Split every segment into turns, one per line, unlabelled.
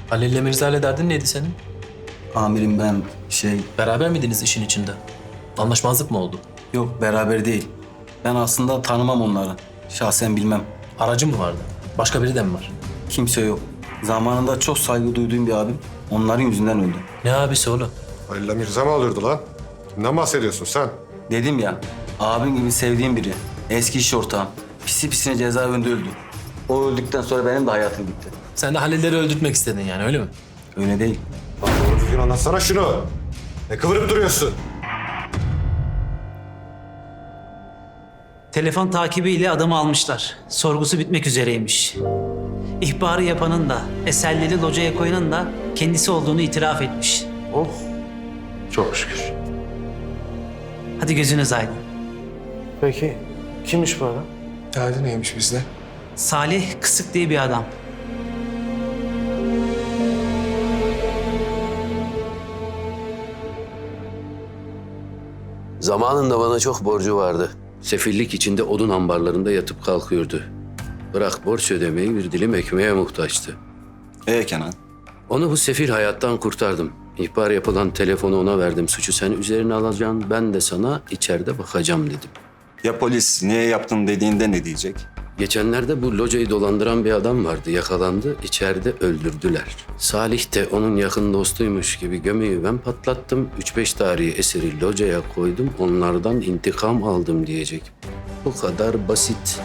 Halil'le Mirza'yla derdin neydi senin?
Amirim ben
Beraber miydiniz işin içinde? Anlaşmazlık mı oldu?
Yok beraber değil. Ben aslında tanımam onları. Şahsen bilmem.
Aracı mı vardı? Başka biri de mi var?
Kimse yok. Zamanında çok saygı duyduğum bir abim onların yüzünden öldü.
Ne abisi oğlum?
Halil'le Mirza mı alırdı lan? Kimden bahsediyorsun sen?
Dedim ya, abim gibi sevdiğim biri. Eski iş ortağım. Pisi pisine cezaevinde öldü. O öldükten sonra benim de hayatım bitti.
Sen de Halil'leri öldürtmek istedin yani öyle mi?
Öyle değil.
Lan doğru düzgün anlatsana şunu. Ne kıvırıp duruyorsun?
Telefon takibiyle adamı almışlar. Sorgusu bitmek üzereymiş. İhbarı yapanın da, eserleri locaya koyanın da kendisi olduğunu itiraf etmiş.
Oh, çok şükür.
Hadi gözünüz aydın.
Peki, kimmiş bu adam?
Derdi neymiş bizde?
Salih Kısık diye bir adam.
Zamanında bana çok borcu vardı. Sefillik içinde odun ambarlarında yatıp kalkıyordu. Bırak borç ödemeyi, bir dilim ekmeğe muhtaçtı.
Kenan?
Onu bu sefil hayattan kurtardım. İhbar yapılan telefonu ona verdim. Suçu sen üzerine alacaksın, ben de sana içeride bakacağım dedim.
Ya polis niye yaptın dediğinde ne diyecek?
Geçenlerde bu locayı dolandıran bir adam vardı. Yakalandı, içeride öldürdüler. Salih de onun yakın dostuymuş gibi gömüyü ben patlattım. 3-5 tarihi eseri locaya koydum. Onlardan intikam aldım diyecek. Bu kadar basit.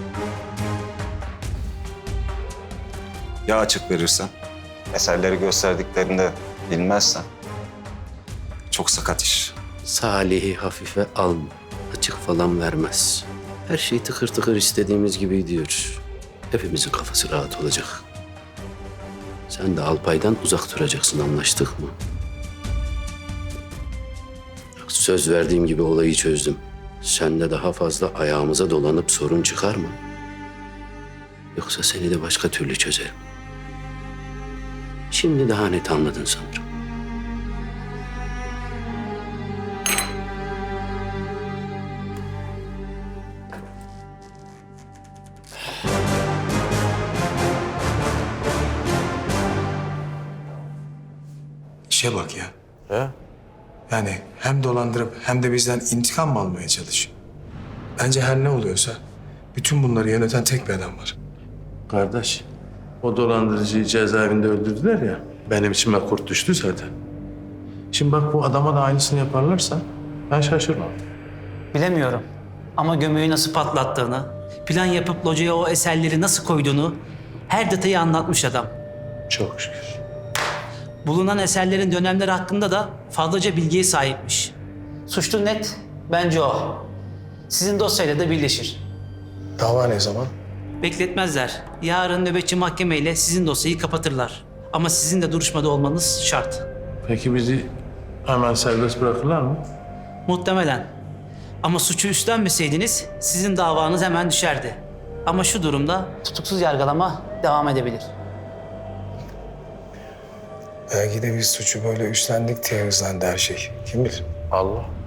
Ya açık verirsen? Eserleri gösterdiklerinde bilmezsen? Çok sakat iş.
Salih'i hafife alma. Açık falan vermez. Her şey tıkır tıkır istediğimiz gibi gidiyor. Hepimizin kafası rahat olacak. Sen de Alpay'dan uzak duracaksın, anlaştık mı? Bak, söz verdiğim gibi olayı çözdüm. Sen de daha fazla ayağımıza dolanıp sorun çıkarma. Yoksa seni de başka türlü çözerim. Şimdi daha net anladın sanırım.
İşe bak ya.
He?
Yani hem dolandırıp hem de bizden intikam mı almaya çalışıyor? Bence her ne oluyorsa bütün bunları yöneten tek bir adam var.
Kardeş, o dolandırıcıyı cezaevinde öldürdüler ya, benim içime kurt düştü zaten. Şimdi bak bu adama da aynısını yaparlarsa ben şaşırmam.
Bilemiyorum. Ama gömüyü nasıl patlattığını, plan yapıp locaya o eserleri nasıl koyduğunu her detayı anlatmış adam.
Çok şükür.
Bulunan eserlerin dönemleri hakkında da fazlaca bilgiye sahipmiş. Suçlu net, bence o. Sizin dosyayla da birleşir.
Dava ne zaman?
Bekletmezler. Yarın nöbetçi mahkemeyle sizin dosyayı kapatırlar. Ama sizin de duruşmada olmanız şart.
Peki bizi hemen serbest bırakırlar mı?
Muhtemelen. Ama suçu üstlenmeseydiniz sizin davanız hemen düşerdi. Ama şu durumda tutuksuz yargılama devam edebilir.
Belki de biz suçu böyle üstlendik diye hızlandı her şey. Kim bilir?
Allah.